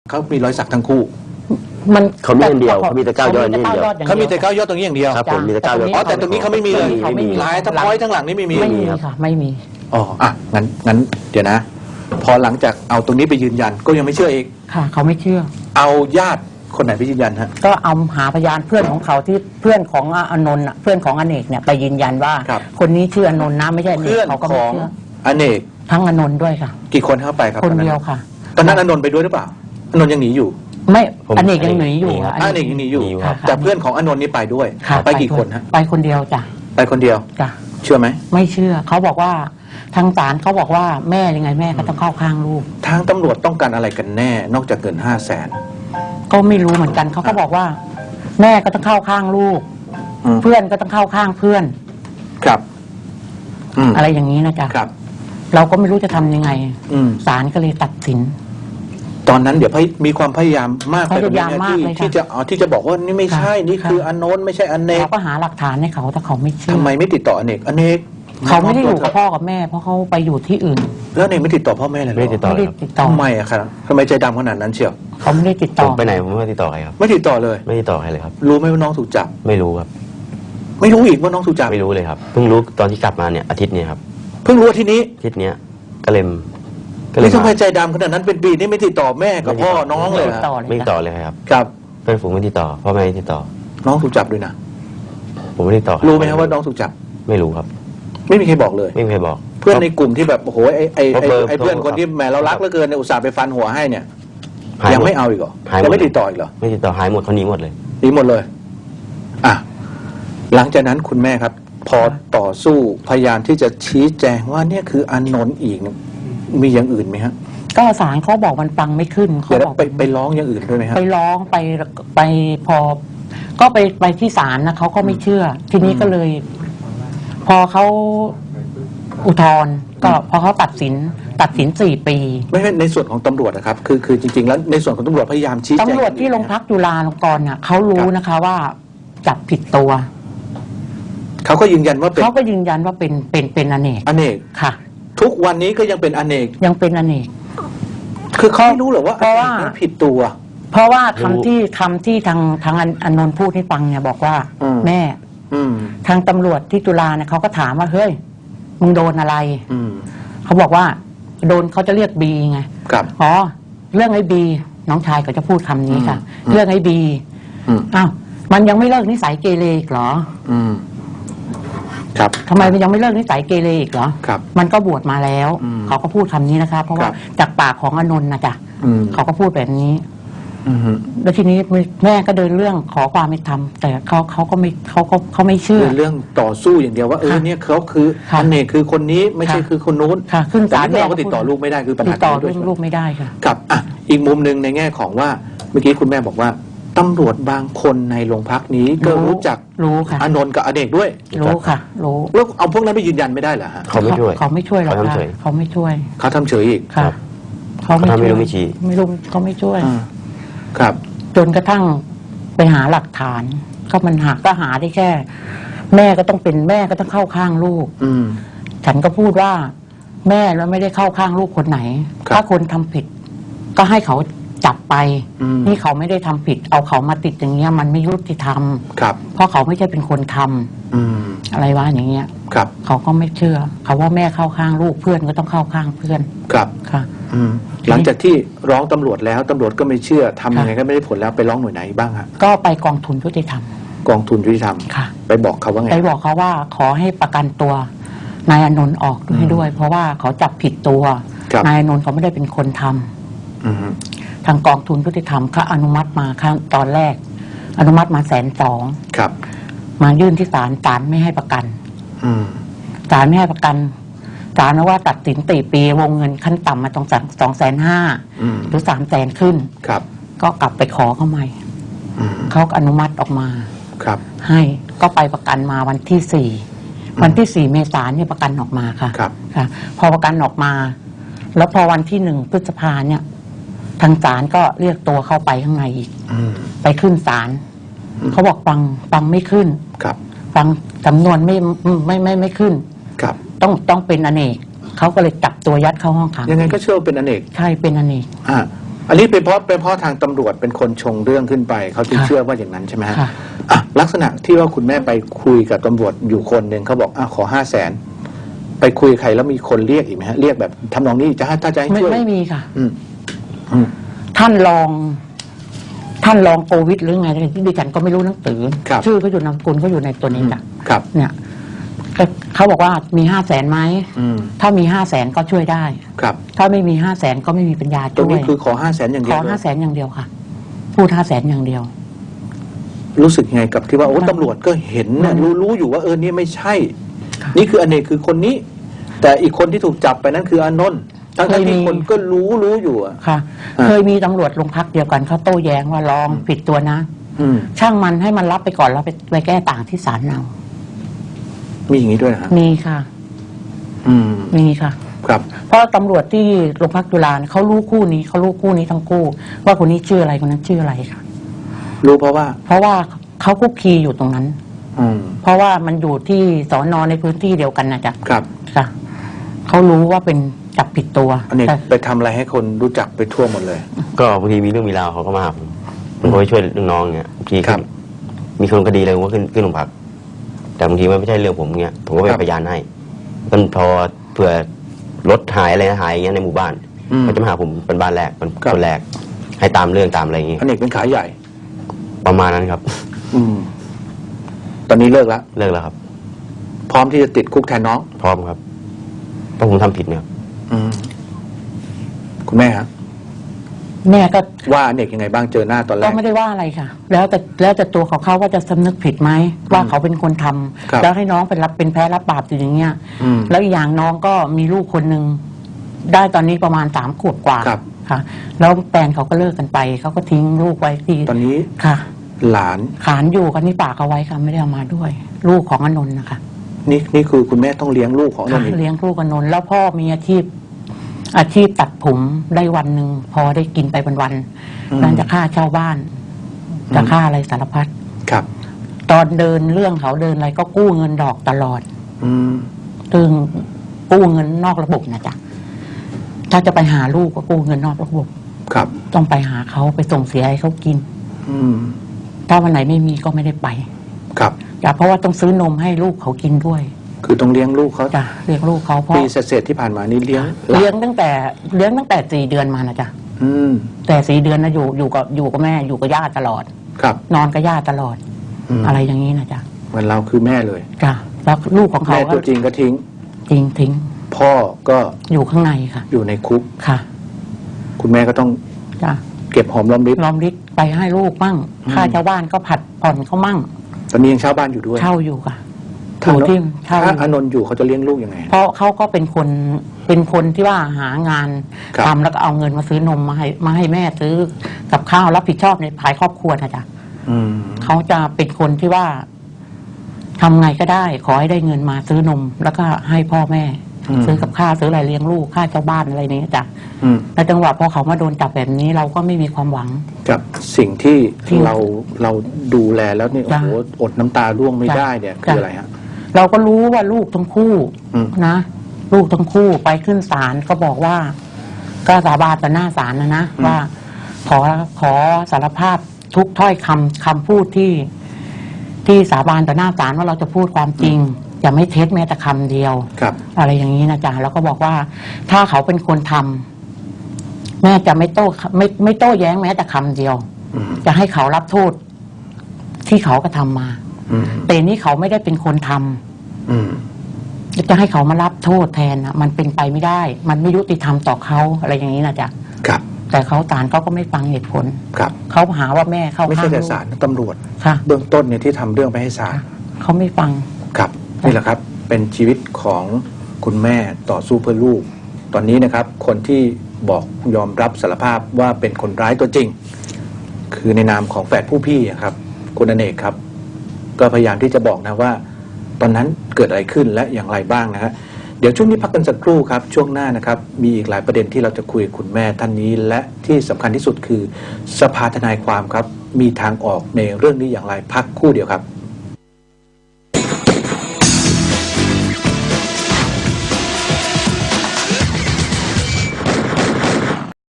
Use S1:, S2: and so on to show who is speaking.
S1: เขามีรอยสักทั้งคู่
S2: เขามีอันเดียวเขามีแต่9 ยอดนี่เดียว
S1: เขามีแต่9 ยอดตรงนี้อย่างเดียว
S2: ครับผมมีแต่9 ยอด
S1: แต่ตรงนี้เขาไม่มีเลยลายทั้งร้อยทั้งหลังนี่ไม่มี
S3: ค่ะไม่มี
S1: อ๋องั้นเดี๋ยวนะพอหลังจากเอาตรงนี้ไปยืนยันก็ยังไม่เชื่ออีก
S3: ค่ะเขาไม่เชื่อ
S1: เอาญาติคนไหนไปยืนยันฮะ
S3: ก็เอาหาพยานเพื่อนของเขาที่เพื่อนของอนนท์เพื่อนของอเนกเนี่ยไปยืนยันว่าคนนี้ชื่ออนนท์นะไม่ใช่
S1: เพื่อนของอเนก
S3: ทั้งอนนท์ด้วยค่ะ
S1: กี่คนเข้าไปครับ
S3: คนเดียวค่ะ
S1: ตอนนั้นอนนท์ไปด้วยหรือเปล่าอนนท์ยังหนีอยู่
S3: ไม่อเนกยังหนีอยู่
S1: อเนกยังหนีอยู่แต่เพื่อนของอนนท์นี่ไปด้วยไปกี่คนฮะ
S3: ไปคนเดียวจ้ะ
S1: ไปคนเดียว
S3: จ้ะ
S1: เชื่อไหม
S3: ไม่เชื่อเขาบอกว่าทางศาลเขาบอกว่าแม่ยังไงแม่ก็ต้องเข้าข้างลูก
S1: ทางตำรวจต้องการอะไรกันแน่นอกจากเงิน500,000
S3: ก็ไม่รู้เหมือนกันเขาก็บอกว่าแม่ก็ต้องเข้าข้างลูกเพื่อนก็ต้องเข้าข้างเพื่อน
S1: ครับ
S3: อะไรอย่างนี้นะจ๊ะ
S1: ครับ
S3: เราก็ไม่รู้จะทำยังไงศาลก็เลยตัดสิน
S1: ตอนนั้นเดี๋ยวมีความพยายามมากเลยที่จะบอกว่านี่ไม่ใช่นี่คืออนนท์ไม่ใช่อเนก
S3: เราก็หาหลักฐานให้เขาแต่เขาไม่เชื่อ
S1: ทำไมไม่ติดต่ออเนก
S3: เขาไม่ได้อยู่กับพ่อกับแม่เพราะเขาไปอยู่ที่อื่น
S1: แล้วเนกไม่ติดต่อพ่อแม่เลย
S2: ไม่ติดต่อ
S1: ทำไมอะครับทำไมใจดำขนาดนั้นเชียว
S3: เขาไม่ได้ติดต่อ
S2: ไปไหนผมไม่ติดต่อใครครับ
S1: ไม่ติดต่อเลย
S2: ไม่ติดต่อใครเลยครับ
S1: รู้ไหมว่าน้องถูกจับ
S2: ไม่รู้ครับ
S1: ไม่รู้อีกว่าน้องถูกจับ
S2: ไม่รู้เลยครับเพิ่งรู้ตอนที่กลับมาเนี่ยอาทิตย์นี้ครับ
S1: เพิ่งรู้อาทิตย์นี้
S2: ก็เลย
S1: ทำไมใจดำขนาดนั้นเป็นปีนี่ไม่ติดต่อแม่กับพ่อน้องเลย
S2: ไม่ติดต่อเลยครับ
S1: ครับ
S2: เพื่อนฝูงไม่ติดต่อพ่อแม่ไม่ติดต่อ
S1: น้องถูกจับด้วยนะ
S2: ผมไม่ติดต่อ
S1: รู้ไหมครับว่าน้องถูกจับ
S2: ไม่รู้ครับ
S1: ไม่มีใครบอกเลย
S2: ไม่มีใครบอก
S1: เพื่อนในกลุ่มที่แบบโอ้โหไอ้เพื่อนคนที่แหมเรารักเหลือเกินอุตส่าห์ไปฟันหัวให้เนี่ยยังไม่เอาอีกเหรอยังไม่ติดต่ออีกเหรอ
S2: ไม่ติดต่อหายหมดเขาหนีหมดเลย
S1: หนีหมดเลยอ่ะหลังจากนั้นคุณแม่ครับพอต่อสู้พยายามที่จะชี้แจงว่าเนี่ยคืออนนท์อีกมีอย่างอื่นไหมฮะ
S3: ก็ศาลเขาบอกมันฟังไม่ขึ้น
S1: เขาบอกไปร้องอย่างอื่นด้วยไหมฮะ
S3: ไปร้องไปพอก็ไปที่ศาลนะเขาก็ไม่เชื่อทีนี้ก็เลยพอเขาอุทธรณ์ก็พอเขาตัดสิน4 ปี
S1: ไม่ใช่ในส่วนของตำรวจนะครับคือจริงๆแล้วในส่วนของตำรวจพยายามชี้แจง
S3: ตำรวจที่โรงพักจุฬาลงกรณ์เนี่ยเขารู้นะคะว่าจับผิดตัว
S1: เขาก็ยืนยันว่า
S3: เขาก็ยืนยันว่าเป็นอเนกค่ะ
S1: ทุกวันนี้ก็ยังเป็นอเนกคือเขาไม่รู้หรอว่าผิดตัว
S3: เพราะว่าคำที่ทางอนนท์พูดให้ฟังเนี่ยบอกว่าแม่ทางตำรวจที่จุฬาเนี่ยเขาก็ถามว่าเฮ้ยมึงโดนอะไรเขาบอกว่าโดนเขาจะเรียกบีไงอ๋อเรื่องไอ้บีน้องชายก็จะพูดคำนี้ค่ะเรื่องไอ้บีอ้าวมันยังไม่เลิกนิสัยเกเรอีกเหรอ
S1: ครับ
S3: ทำไมมันยังไม่เลิกนิสัยเกเรอีกเหรอมันก็บวชมาแล้วเขาก็พูดคำนี้นะคะเพราะว่าจากปากของอนนท์นะจ๊ะเขาก็พูดแบบนี้แล้วทีนี้แม่ก็เดินเรื่องขอความเป็นธรรมแต่เขาก็ไม่เชื่อ
S1: เรื่องต่อสู้อย่างเดียวว่าเนี่ยเขาคืออเนกคือคนนี้ไม่ใช่คือคนนู้น
S3: ค่ะขึ้นศาล
S1: แม่ก็ติดต่อลูกไม่ได้คือปัญหา
S3: ติดต่อลูกไม่ได้ค่ะ
S1: กับอีกมุมหนึ่งในแง่ของว่าเมื่อกี้คุณแม่บอกว่าตำรวจบางคนในโรงพักนี้ก็รู้จักอนนท์กับอเนกด้วย
S3: รู้ค่ะรู้
S1: แล้วเอาพวกนั้นไปยืนยันไม่ได้เหรอฮะ
S2: เขาไม่ช่วย
S3: หรอกค่ะเขาไม่ช่วย
S1: เขาทำเฉยอีก
S3: ค่ะเขาไม่
S2: รู้
S3: ไม่รู้เขาไม่ช่วย
S1: ครับ
S3: จนกระทั่งไปหาหลักฐานก็มันหาได้แค่แม่ก็ต้องเข้าข้างลูกฉันก็พูดว่าแม่แล้วไม่ได้เข้าข้างลูกคนไหนถ้าคนทำผิดก็ให้เขาจับไปนี่เขาไม่ได้ทำผิดเอาเขามาติดอย่างเงี้ยมันไม่ยุติธรรมเพราะเขาไม่ใช่เป็นคนทำอะไรวะอย่างเงี้ยเขาก็ไม่เชื่อเขาว่าแม่เข้าข้างลูกเพื่อนก็ต้องเข้าข้างเพื่อน
S1: ครับ
S3: ค่ะ
S1: หลังจากที่ร้องตำรวจแล้วตำรวจก็ไม่เชื่อทำยังไงก็ไม่ได้ผลแล้วไปร้องหน่วยไหนบ้างฮะ
S3: ก็ไปกองทุนยุติธรรมค่ะ
S1: ไปบอกเขาว่าไง
S3: ไปบอกเขาว่าขอให้ประกันตัวนายอนนท์ออกด้วยเพราะว่าเขาจับผิดตัวนายอนนท์เขาไม่ได้เป็นคนทำทางกองทุนยุติธรรมเขาอนุมัติมาครั้งตอนแรกอนุมัติมา120,000
S1: ครับ
S3: มายื่นที่ศาลไม่ให้ประกันศาลไม่ให้ประกันศาลว่าตัดสิน4 ปีวงเงินขั้นต่ำมาต้อง250,000หรือ300,000ขึ้นก็กลับไปขอเขาใหม่เขาอนุมัติออกมาให้ก็ไปประกันมาวันที่4 เมษายนเนี่ยประกันออกมาค่ะพอประกันออกมาแล้วพอวันที่1 พฤษภาเนี่ยทางศาลก็เรียกตัวเข้าไปข้างในอีกไปขึ้นศาลเขาบอกฟังไม่ขึ้นฟังจำนวนไม่ขึ้นต้องเป็นอเนกเขาก็เลยจับตัวยัดเข้าห้องขัง
S1: ยังไงก็เชื่อเป็นอเนก
S3: ใช่เป็นอเนก
S1: อันนี้เป็นเพราะทางตำรวจเป็นคนชงเรื่องขึ้นไปเขาจึงเชื่อว่าอย่างนั้นใช่ไหมฮะ
S3: ค่ะ
S1: อ่ะลักษณะที่ว่าคุณแม่ไปคุยกับตำรวจอยู่คนหนึ่งเขาบอกขอ500,000ไปคุยใครแล้วมีคนเรียกอีกไหมฮะเรียกแบบทำนองนี้ถ้าจะให้ช่วย
S3: ไม่มีค่ะ
S1: อืมอืม
S3: ท่านรองโควิดหรือไงที่ดิฉันก็ไม่รู้หนังสือ
S1: ครับ
S3: ชื่อเขาอยู่นามสกุลเขาอยู่ในตัวนี้จ้ะ
S1: ครับ
S3: เนี่ยก็เขาบอกว่ามี500,000ไหม
S1: อืม
S3: ถ้ามี500,000ก็ช่วยได้
S1: ครับ
S3: ถ้าไม่มี500,000ก็ไม่มีปัญญา
S1: ตรง
S3: ช่ว
S1: นี้
S3: ย
S1: คือขอ500,000อย่างเดี
S3: ข
S1: ย
S3: อ
S1: วเลย
S3: 500,000อย่างเดียวค่ะ พูด500,000อย่างเดียว
S1: รู้สึกยังไงกับที่ว่าโอ้
S3: มัน
S1: ตำรวจก็เห็นนะ
S3: มัน
S1: รู้อยู่ว่านี่ไม่ใช่
S3: ค่ะ
S1: นี่คืออเนกคือคนนี้ แต่อีกคนที่ถูกจับไปนั้นคืออานนท์ทั้งที่คนก็รู้อยู่อะ
S3: ค่ะ
S1: อ่า
S3: เคยมีตำรวจโรงพักเดียวกันเขาโต้แย้งว่าลองผิดตัวนะ
S1: อืม
S3: ช่างมันให้มันรับไปก่อนแล้วไปแก้ต่างที่ศาลเอา
S1: มีอย่างนี้ด้วยนะฮะ
S3: มีค่ะ
S1: อืม
S3: มีค่ะ
S1: ครับ
S3: เพราะตำรวจที่โรงพักจุฬาเนี่ยเขารู้คู่นี้ทั้งคู่ ว่าคนนี้ชื่ออะไรคนนั้นชื่ออะไรค่ะ
S1: รู้เพราะว่า
S3: เพราะว่าเขาคุกคีอยู่ตรงนั้น
S1: อืม
S3: เพราะว่ามันอยู่ที่สอนอในพื้นที่เดียวกันนะจ๊ะ
S1: ครับ
S3: ค่ะเขารู้ว่าเป็นจับผิดตัว
S1: อันนี้
S3: แต่
S1: ไปทำอะไรให้คนรู้จักไปทั่วหมดเลย
S2: ก็บางทีมีเรื่องมีราวเขาก็มาหาผมก็ไปช่วยลูกน้องเงี้ยบางที
S1: ครับ
S2: มีคนคดีอะไรผมก็ขึ้นโรงพัก แต่บางทีมันไม่ใช่เรื่องผมเงี้ยผมก็เป็นพยานให้มันพอเผื่อรถหายอะไรหายอย่างเงี้ยในหมู่บ้าน
S1: อืม
S2: เขาจะมาหาผมเป็นบ้านแรกเป็น
S1: ครับ
S2: คนแรก ให้ตามเรื่องตามอะไรอย่างเงี้ย
S1: อเนกเป็นขายใหญ่
S2: ประมาณนั้นครับ
S1: อืม ตอนนี้เลิกแล้ว
S2: เลิกแล้วครับ
S1: พร้อมที่จะติดคุกแทนน้อง
S2: พร้อมครับเพราะผมทำผิดเนี่ยครับ
S1: อืม คุณแม่ครับ
S3: แม่ก็
S1: ว่าอเนกยังไงบ้างเจอหน้าตอนแร
S3: ก็
S1: ก
S3: ไม่ได้ว่าอะไรค่ะ แล้วแต่ตัวเขาว่าจะสำนึกผิดไหมว่าเขาเป็นคนทำ
S1: ครับ
S3: แล้วให้น้องเป็นแพ้รับบาปอยู่อย่างเงี้ย
S1: อืม
S3: แล้วอีกอย่างน้องก็มีลูกคนหนึ่งได้ตอนนี้ประมาณ3 ขวบกว่า
S1: ครับ
S3: ค่ะ แล้วแฟนเขาก็เลิกกันไปเขาก็ทิ้งลูกไว้ที่
S1: ตอนนี้
S3: ค่ะ
S1: หลาน
S3: ขานอยู่กันที่ปากเอาไว้ค่ะไม่ได้เอามาด้วย ลูกของอนนท์นะคะ
S1: นี่คือคุณแม่ต้องเลี้ยงลูกของอาน
S3: ค่ะ
S1: นท์อีก
S3: เลี้ยงลูกอนนท์แล้วพ่อมีอาชีพตัดผมได้วันหนึ่งพอได้กินไปวันๆนั่นจะค่าเช่าบ้าน จะค่าอะไรสารพัด
S1: ครับ
S3: ตอนเดินเรื่องเขาเดินอะไรก็กู้เงินดอกตลอด
S1: อืม
S3: ซึ่งกู้เงินนอกระบบนะจ๊ะถ้าจะไปหาลูกก็กู้เงินนอกระบบ
S1: ครับ
S3: ต้องไปหาเขาไปส่งเสียให้เขากิน
S1: อืม
S3: ถ้าวันไหนไม่มีก็ไม่ได้ไป
S1: ครับ
S3: จ้ะเพราะว่าต้องซื้อนมให้ลูกเขากินด้วย
S1: คือต้องเลี้ยงลูกเขา
S3: จ้ะเลี้ยงลูกเขาเพราะ
S1: ปีเศษๆที่ผ่านมานี่เลี้ยงหลาน
S3: เลี้ยงตั้งแต่4 เดือนมานะจ๊ะ
S1: อืม
S3: แต่4 เดือนนะอยู่กับแม่อยู่กับย่าตลอด
S1: ครับ
S3: นอนกับย่าตลอด
S1: ม
S3: อะไรอย่างนี้นะจ๊ะ
S1: เหมือนเราคือแม่เลย
S3: จ้ะแล้วลูกของเขา
S1: แม่
S3: ก็
S1: ตัวจริงก็ทิ้ง
S3: ทิ้ง
S1: พ่อก็
S3: อยู่ข้างในค่ะ
S1: อยู่ในคุก
S3: ค่ะ
S1: คุณแม่ก็ต้อง
S3: จ้ะ
S1: เก็บหอมรอมริบ
S3: รอมริบไปให้ลูกมั่ง
S1: อืม
S3: ค่าเช่าบ้านก็ผัดผ่อนเขามั่ง
S1: ตอนนี้ยังเช่าบ้านอยู่ด้วย
S3: เช่าอยู่ค่ะอ
S1: ถ้า
S3: ยู่ที่เช่าอ
S1: ถ้า
S3: ยู่
S1: อานนท์อยู่เขาจะเลี้ยงลูกยังไง
S3: เพราะเขาก็เป็นคนที่ว่าหางาน
S1: ครับ
S3: ทำแล้วก็เอาเงินมาซื้อนมมาให้แม่ซื้อกับข้าวรับผิดชอบในภายครอบครัวนะจ๊ะ
S1: อืม
S3: เขาจะเป็นคนที่ว่าทำไงก็ได้ ขอให้ได้เงินมาซื้อนม แล้วก็ให้พ่อแม่ ซื้อกับข้าวซื้ออะไรเลี้ยงลูกค่าเช่าบ้านอะไรนี้จ้ะ
S1: อืม
S3: แล้วจังหวะพอเขามาโดนจับแบบนี้เราก็ไม่มีความหวัง
S1: กับสิ่งที่
S3: ที่
S1: เราดูแลแล้วนี่โอ้
S3: จ้ะ
S1: โหอดน้ำตาร่วงไม่
S3: จ้ะ
S1: ได้เนี่ยคือ
S3: จ้ะ
S1: อะไรฮะ
S3: เราก็รู้ว่าลูกทั้งคู่
S1: อืม
S3: นะลูกทั้งคู่ไปขึ้นศาลก็บอกว่า ก็สาบานต่อหน้าศาลนะว่าขอสารภาพทุกถ้อยคำพูดที่สาบานต่อหน้าศาลว่าเราจะพูดความจริง จะไม่เท็จแม้แต่คำเดียว
S1: ครับ
S3: อะไรอย่างนี้นะจ๊ะแล้วก็บอกว่า ถ้าเขาเป็นคนทำแม่จะไม่โต้แย้งแม้แต่คำเดียว
S1: อืม
S3: จะให้เขารับโทษที่เขากระทำมา
S1: อืม
S3: แต่นี่เขาไม่ได้เป็นคนทำ
S1: อืม
S3: จะให้เขามารับโทษแทนนะมันเป็นไปไม่ได้ มันไม่ยุติธรรมต่อเขาอะไรอย่างนี้นะจ๊ะ
S1: ครับ
S3: แต่เขาศาลเขาก็ไม่ฟังเหตุผล
S1: ครับ
S3: เขาหาว่าแม่เข้า
S1: ไม่
S3: ข้า
S1: ใช่
S3: ง
S1: แต่
S3: ลูก
S1: ศาลตำรวจ
S3: ค่ะ
S1: เบื้องต้นเนี่ยที่ทำเรื่องไปให้ศาล
S3: เขาไม่ฟัง
S1: ครับนี่แหละครับ เป็นชีวิตของคุณแม่ต่อสู้เพื่อลูก ตอนนี้นะครับ คนที่บอกยอมรับสารภาพว่าเป็นคนร้ายตัวจริง คือในนามของแฝดผู้พี่อะครับ คุณอเนกครับ ก็พยายามที่จะบอกนะว่า ตอนนั้นเกิดอะไรขึ้นและอย่างไรบ้างนะฮะเดี๋ยวช่วงนี้พักกันสักครู่ครับ ช่วงหน้านะครับ มีอีกหลายประเด็นที่เราจะคุยกับคุณแม่ท่านนี้ และที่สำคัญที่สุดคือสภาทนายความครับ มีทางออกในเรื่องนี้อย่างไรพักครู่เดียวครับ